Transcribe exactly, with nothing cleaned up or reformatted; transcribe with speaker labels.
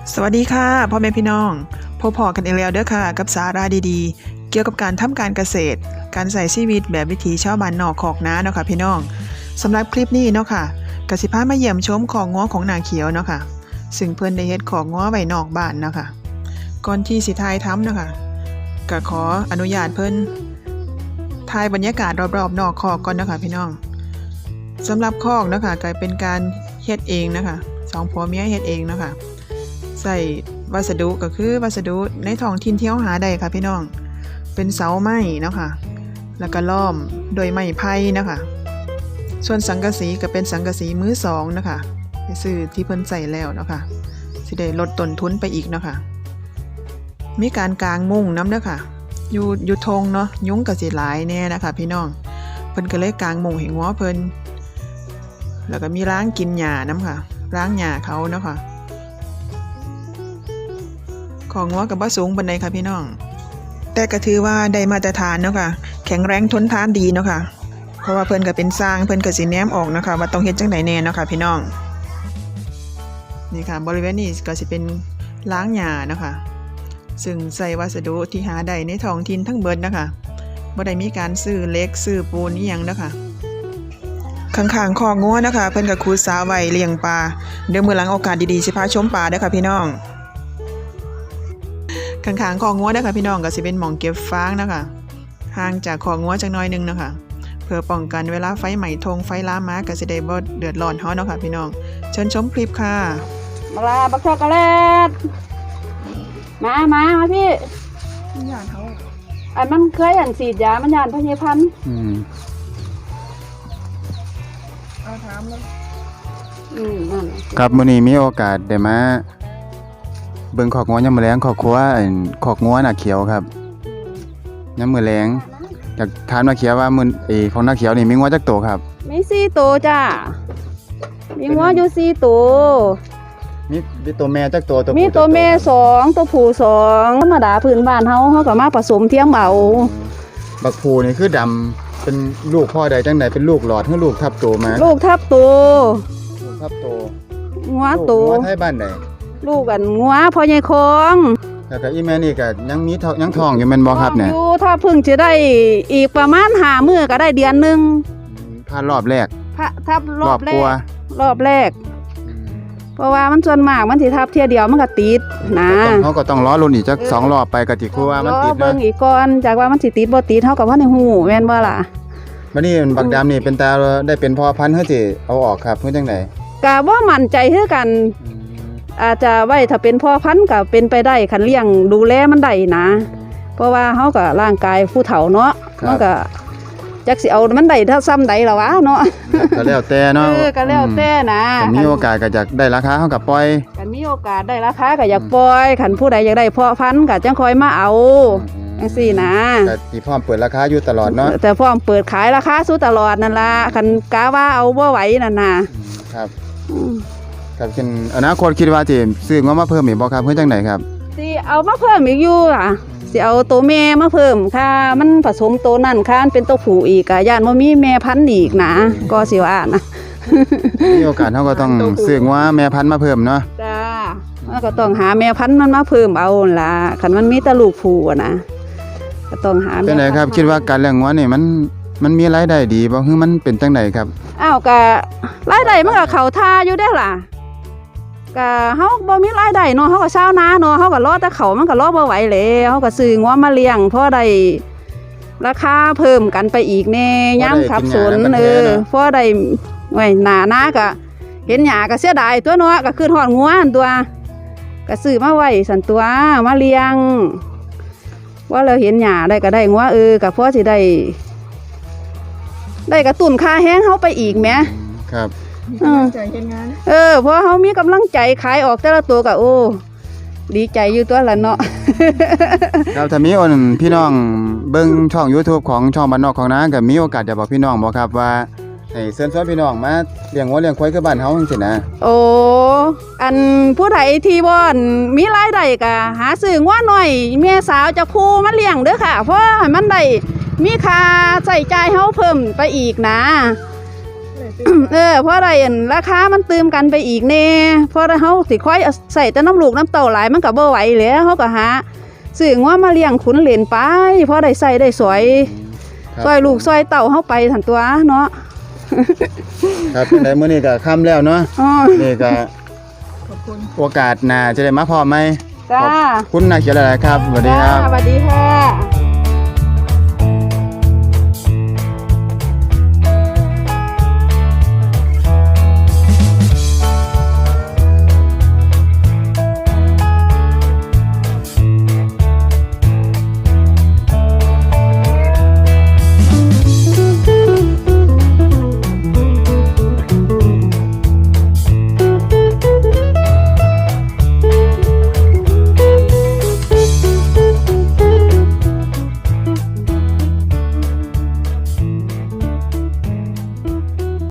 Speaker 1: สวัสดีค่ะพ่อแม่พี่น้องพบพอกันอีกแล้วเด้อค่ะกับสาระดีๆเกี่ยวกับการทำการเกษตรการใส่ชีวิตแบบวิถีชาวบ้านนอกขอกนาเนาะค่ะพี่น้องสำหรับคลิปนี้เนาะค่ะกสิพามาเยี่ยมชมของง้อของนาเขียวเนาะค่ะซึ่งเพิ่นได้เฮ็ดของง้อไว้นอกบ้านเนาะค่ะก่อนที่สิทายทำเนาะค่ะก็ขออนุญาตเพิ่นถ่ายบรรยากาศรอบๆนอกคอกก่อนเนาะค่ะพี่น้องสำหรับคอกเนาะค่ะก็เป็นการเฮ็ดเองนะคะสองผัวเมียเฮ็ดเองเนาะค่ะใส่วัสดุก็คือวัสดุในท้องถิ่นที่เฮาหาได้ค่ะพี่น้องเป็นเสาไม้เนาะค่ะแล้วก็ล้อมโดยไม้ไผ่นะคะส่วนสังกะสีก็เป็นสังกะสีมือสองนะคะไปซื้อที่เพิ่นใส่แล้วเนาะค่ะสิได้ลดต้นทุนไปอีกเนาะค่ะมีการกางมุ้งน้ำเด้อค่ะอยู่อยู่ทงเนาะยุงก็สิหลายแน่นะคะพี่น้องเพิ่นก็เลยกางมุ้งให้งัวเพิ่นแล้วก็มีล้างกินหญ้าน้ำค่ะล้างหญ้าเขาเนาะค่ะของงัวกับบ่สูงปานใดค่ะพี่น้องแต่ก็ถือว่าได้มาตรฐานเนาะค่ะแข็งแรงทนทานดีเนาะค่ะเพราะว่าเพิ่นก็เป็นสร้างเพิ่นก็สิแนมออกเนาะค่ะว่าต้องเฮ็ดจังไดแน่เนาะค่ะพี่น้องนี่ค่ะบริเวณนี้ก็สิเป็นล้างหญ้าเนาะค่ะซึ่งใส่วัสดุที่หาได้ในท้องถิ่นทั้งเบิดนะคะบ่ได้มีการซื้อเหล็กซื้อปูนอีหยังเนาะค่ะข้างๆคอกงัวนะคะเพิ่นก็ขุดสระไว้เลี้ยงปลาเดี๋ยวมื้อหลังโอกาสดีๆสิพาชมปลาเด้อค่ะพี่น้องข้างๆคอกงัวเด้อค่ะพี่น้องก็สิเป็นหม่องเก็บฟางนะคะห่างจากคอกงัวจักหน่อยนึงนะคะเพื่อป้องกันเวลาไฟไหม้ทงไฟลามมาก็สิได้บ่เดือดร้อนเฮาเนาะค่ะพี่น้องเชิญชมคลิปค่ะ
Speaker 2: มาลาบักช็อกโกแลตมามามาพี่ยานเขาอันมันเคยอันสีดยามันยานพญพันธุ์
Speaker 3: อืม
Speaker 2: เอาถามเลยอืมนั่น
Speaker 3: ครับมื้อนี้มีโอกาสได้มาเบิ่งขอกงัวยามมื้อแลงครอบครัวอันขอกงัวน่ะเขียวครับยามมื้อแลงอยากถามน่ะเขียวว่ามื้อเอของน่ะเขียวนี่มีงัวจักโตครับ
Speaker 2: มีสี่ตัวจ้ามีงัวอยู่สี่ตัว
Speaker 3: มีมีตัวแม่จักโตตัวผู้
Speaker 2: มีตัวแม่สองตัวผู้สองธรรมดาพื้นบ้านเฮาเฮาก็มาผสมเทียมเอา
Speaker 3: บักผู้นี่คือดำเป็นลูกพ่อใดจังไดเป็นลูกหลอดหรือลูกทับโตมา
Speaker 2: ลูกทับตัว
Speaker 3: ลูกทับโต
Speaker 2: งัวตัว
Speaker 3: งัวไทยบ้านใด
Speaker 2: ลูกกันงัวพ่อใหญ่คอง
Speaker 3: แล้วก็อีแม่นี่ก็ยังมีท้องยังท้องอยู่แม่นบ่ครับเนี่ย
Speaker 2: อยู่ถ้าเพิ่งจะได้อีกประมาณห้ามื้อก็ได้เดือนนึง
Speaker 3: ผ่านรอบแรก
Speaker 2: ทับรอบแรกรอบแรกเพราะว่ามันส่วนมากมันสิทับเที่ยเดียวมันก็ติดนะ
Speaker 3: เฮาก็ต้องรอลุ้นอีกจักสองรอบไปก็สิคือว่ามันติดนะ
Speaker 2: รอเบิ่งอีกก่อนจากว่ามันสิติดบ่ติดเฮาก็บ่ได้ฮู้แม่นบ่ล่ะ
Speaker 3: บัดนี้บักดำนี่เป็นตาได้เป็นพ่อพันธุ์เฮาสิเอาออกครับเฮ็ดจังได๋
Speaker 2: ก็บ่มั่นใจคือกันอาจจะไว้ถ้าเป็นพ่อพันธุ์ก็เป็นไปได้คันเลี้ยงดูแลมันได้นะเพราะว่าเฮาก็ร่างกายผู้เฒ่าเนาะมันก็จักสิเอามันได้ถ้าซ้ำใดล่ะวะเนาะ
Speaker 3: ก็แล้วแต่เนาะ
Speaker 2: เออก็แล้วแต่นะ
Speaker 3: มีโอกาสก็อยากได้ราคาเฮาก็ปล่อย
Speaker 2: คันมีโอกาสได้ราคาก็อยากปล่อยคันผู้ใดอยากได้เพาะพันธุ์ก็จังค่อยมาเอาจังซี่นะ
Speaker 3: ก็สิพร้อมเปิดราคาอยู่ตลอดเนาะ
Speaker 2: แต่พร้อมเปิดขายราคาสู้ตลอดนั่นล่ะคันกะว่าเอาบ่ไหวนั่นน่ะ
Speaker 3: ครับครับคิดอนาคตคิดว่าสิซื้องัวมาเพิ่มอีกบ่ครับเพิ่นจังได๋ครับ
Speaker 2: สิเอามาเพิ่มอีกอยู่ค่ะสิเอาตัวแม่มาเพิ่มค่ะมันผสมตัวนั่นค่ะมันเป็นตัวผู้อีกอ่ะย่านบ่มีแม่พันธุ์อีกนะก็สิว่านะ
Speaker 3: มีโอกาสเฮาก็ต้องซื้องัวแม่พันธุ์มาเพิ่มเนาะ
Speaker 2: จ้ามันก็ต้องหาแม่พันธุ์มันมาเพิ่มเอาล่ะคันมันมีแต่ลูกผู้อ่ะนะก็ต้องหา
Speaker 3: เป็นไดครับคิดว่าการเลี้ยงงัวนี่มันมันมีรายได้ดีบ่คือมันเป็นจังได๋ครับ
Speaker 2: อ้าวก็รายได้มันก็เข้าท่าอยู่เด้ล่ะก็เฮาบ่มีรายได้เนาะเฮาก็ชาวนาเนาะเฮาก็รอแต่เขามันก็รอบ่ไหวแล้วเฮาก็ซื้องัวมาเลี้ยงพอได้ราคาเพิ่มกันไปอีกแน่ยามขับสนเออพอได้ไว้หน้านาก็เห็นหญ้าก็เสียดายตัวเนาะก็คือทอดงัวอันตัวก็ซื้อมาไว้สั่นตัวมาเลี้ยงว่าเราเห็นหญ้าได้ก็ได้งัวเออก็พอสิได้ได้กระตุ้นค่าแห้งเฮาไปอีกแหม
Speaker 3: ครับ
Speaker 2: เออเออเพราะเขามีกำลังใจขายออกแต่ละตัวก็โอ้ดีใจอยู่ตัวละเนาะ
Speaker 3: ครับถ้ามีคนพี่น้องเบิ่งช่อง YouTube ของช่องบ้านนอกของนาก็มีโอกาสจะบอกพี่น้องบ่ครับว่าให้เชิญชวนพี่น้องมาเลี้ยงวัวเลี้ยงควายคือบ้านเฮาจังซี่นะ
Speaker 2: โอ้อันผู้ใดที่บ่มีรายได้ก็หาซื้องัวหน่อยแม่สาวจะคู่มาเลี้ยงเด้อค่ะเพราะให้มันได้มีค่าใช้จ่ายเฮาเพิ่มไปอีกนะเออเพราะอะไรอั่นราคามันตืมกันไปอีกแน่เพราะเฮาสิค่อยใส่แต่น้ำลูกน้ำเต้าหลายมันก็บ่ไหวแล้วเฮาก็หาซื้องัวมาเลี้ยงขุนเหลนไปเพราะได้ใส่ได้สวย
Speaker 3: ครับ
Speaker 2: ซอยลูกซอยเต้าเฮาไปซั่นตัวเนาะ
Speaker 3: ครับจังไดมื้อนี้ก็ค่ำแล้วเนาะ
Speaker 2: อ๋อ
Speaker 3: นี่ก็โอกาสหน้าจะได้มาพร้อมไหม
Speaker 2: จ้า
Speaker 3: ขอบคุณนาเขียวหลายๆครับสวัสดีครับ
Speaker 2: จ้าสวัสดีค่ะ